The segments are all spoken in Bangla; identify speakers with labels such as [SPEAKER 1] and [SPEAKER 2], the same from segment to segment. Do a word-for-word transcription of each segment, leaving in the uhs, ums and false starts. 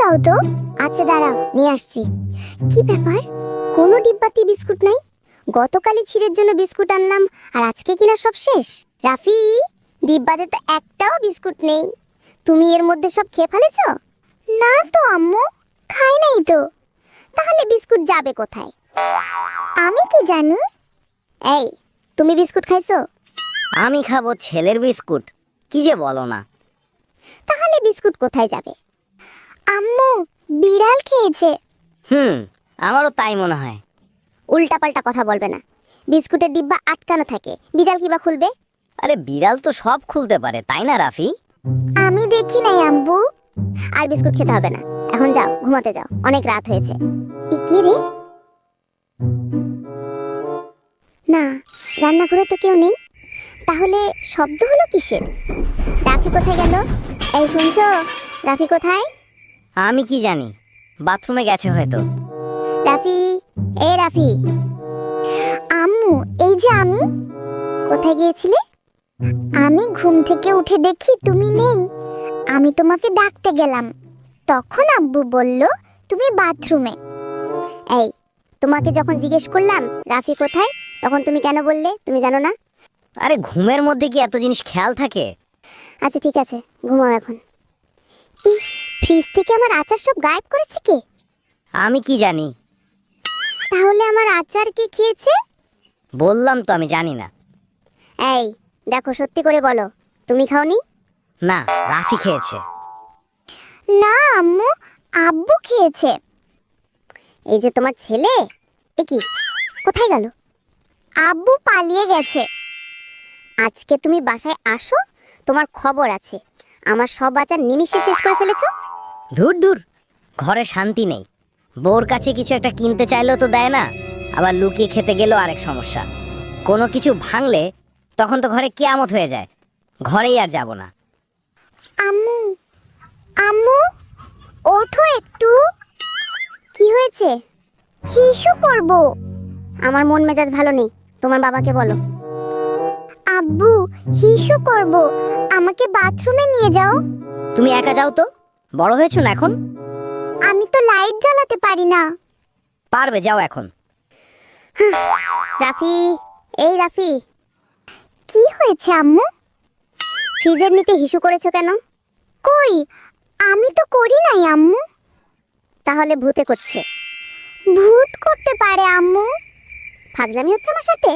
[SPEAKER 1] দাও তো। আচ্ছা দাঁড়াও, নিয়ে আসছি। কি ব্যাপার, কোনো ডিব্বাতে বিস্কুট নাই? গতকালই ছিঁড়ের জন্য বিস্কুট আনলাম, আর আজকে কিনা সব শেষ। রাফি, ডিব্বাতে তো একটাও বিস্কুট নেই। তুমি এর মধ্যে সব খেয়ে ফেলেছ? না তো আম্মু, খাই নাই তো। তাহলে বিস্কুট যাবে কোথায়? আমি কি জানি। এই, তুমি বিস্কুট খাইছো?
[SPEAKER 2] আমি খাবো ছেলের বিস্কুট? কি যে বলো না।
[SPEAKER 1] তাহলে বিস্কুট কোথায় যাবে? আম্মু, বিড়াল খেয়েছে।
[SPEAKER 2] হুম, আমারও তাই মনে হয়।
[SPEAKER 1] উল্টাপাল্টা কথা বলবে না। বিস্কুটের ডিব্বা আটকানো থাকে, বিড়াল কিবা খুলবে?
[SPEAKER 2] আরে বিড়াল তো সব খুলতে পারে, তাই না রাফি?
[SPEAKER 1] আমি দেখি নাই আম্মু। আর বিস্কুট খেতে হবে না, এখন যাও ঘুমাতে যাও, অনেক রাত হয়েছে। এ কে রে? না, রান্নাঘরে তো কেউ নেই। তাহলে শব্দ হলো কিসের? রাফি কোথায় গেল? এই শুনছো, রাফি কোথায়?
[SPEAKER 2] আমি কি জানি, বাথরুমে গেছে হয়তো।
[SPEAKER 1] রাফি, এ রাফি। আম্মু, এই যে আমি। কোথায় গিয়েছিলে? আমি ঘুম থেকে উঠে দেখি তুমি নেই। আমি তোমাকে ডাকতে গেলাম, তখন আব্বু বলল তুমি বাথরুমে। এই, তোমাকে যখন জিজ্ঞেস করলাম রাফি কোথায়, তখন তুমি কেন বললে তুমি জানো না?
[SPEAKER 2] আরে ঘুমের মধ্যে কি এত জিনিস খেয়াল থাকে?
[SPEAKER 1] আচ্ছা ঠিক আছে, ঘুমাও এখন। ইস, ফ্রিজ থেকে আমার আচার সব গায়েব করেছে কে?
[SPEAKER 2] আমি কি জানি।
[SPEAKER 1] তাহলে আমার আচার কে খেয়েছে?
[SPEAKER 2] বললাম তো আমি জানি না।
[SPEAKER 1] এই দেখো, সত্যি করে বলো, তুমি খাওনি?
[SPEAKER 2] না, রাফি খেয়েছে।
[SPEAKER 1] না আম্মু, আব্বু খেয়েছে। এই যে তোমার ছেলে, এ কি, কোথায় গেল? আব্বু পালিয়ে গেছে। আজকে তুমি বাসায় আসো, তোমার খবর আছে। আমার সব আচার নিমিষে শেষ করে ফেলেছো।
[SPEAKER 2] ধুর ধুর, ঘরে শান্তি নেই। বউর কাছে কিছু একটা কিনতে চাইলেও তো দেয় না, আবার লুকিয়ে খেতে গেলেও আরেক সমস্যা। কোনো কিছু ভাঙলে তখন তো ঘরে কিয়ামত হয়ে যায়। ঘরেই আর যাব না।
[SPEAKER 1] আম্মু, আম্মু, ওঠো একটু। কি হয়েছে? হিসু করব। আমার মন মেজাজ ভালো নেই, তোমার বাবাকে বলো। আব্বু, হিসু করব, আমাকে বাথরুমে নিয়ে যাও।
[SPEAKER 2] তুমি একা যাও তো, বড় হয়েছো না এখন।
[SPEAKER 1] আমি তো লাইট জ্বালাতে পারি না।
[SPEAKER 2] পারবে, যাও এখন।
[SPEAKER 1] রাফি, এই রাফি। কি হয়েছে আম্মু? ফ্রিজের নিচে হিসু করেছো কেন? কই, আমি তো করি নাই আম্মু। তাহলে ভূতে করছে। ভূত করতে পারে আম্মু? ফাজলামি হচ্ছে আমার সাথে?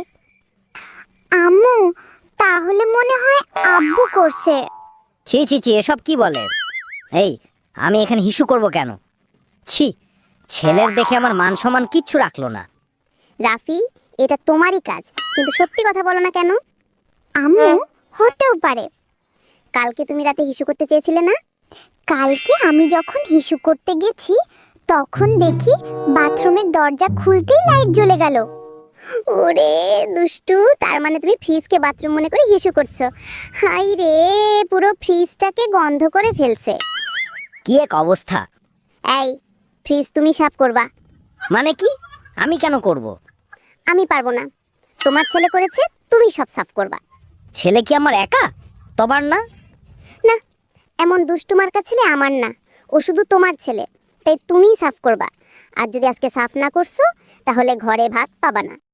[SPEAKER 1] আম্মু, তাহলে মনে হয় আব্বু করছে।
[SPEAKER 2] ছি ছি ছি, এসব কি বলে? এই, আমি এখানে হিসু করব কেন? ছি, ছেলের দেখে আমার মান সম্মান কিচ্ছু রাখলো না।
[SPEAKER 1] রাফি, এটা তোমারই কাজ, কিন্তু সত্যি কথা বলো না কেন? আম্মু, হতেও পারে। কালকে তুমি রাতে হিসু করতে চেয়েছিলে না? কালকে আমি যখন হিসু করতে গেছি, তখন দেখি বাথরুমের দরজা খুলতেই লাইট জ্বলে গেল। ওরে দুষ্টু, তার মানে তুমি ফ্রিজকে বাথরুম মনে করে হিসু করছো। হাই রে, পুরো ফ্রিজটাকে গন্ধ করে ফেলছে।
[SPEAKER 2] কি এক অবস্থা!
[SPEAKER 1] এই, ফ্রিজ তুমি সাফ করবা।
[SPEAKER 2] মানে কি? আমি কেন করব?
[SPEAKER 1] আমি পারবো না, তোমার ছেলে করেছে, তুমি সব সাফ করবা।
[SPEAKER 2] ছেলে কি আমার একা, তোমার না?
[SPEAKER 1] না, এমন দুষ্টুমার্কা ছেলে আমার না, ও শুধু তোমার ছেলে, তাই তুমিই সাফ করবা। আর যদি আজকে সাফ না করছো, তাহলে ঘরে ভাত পাবা না।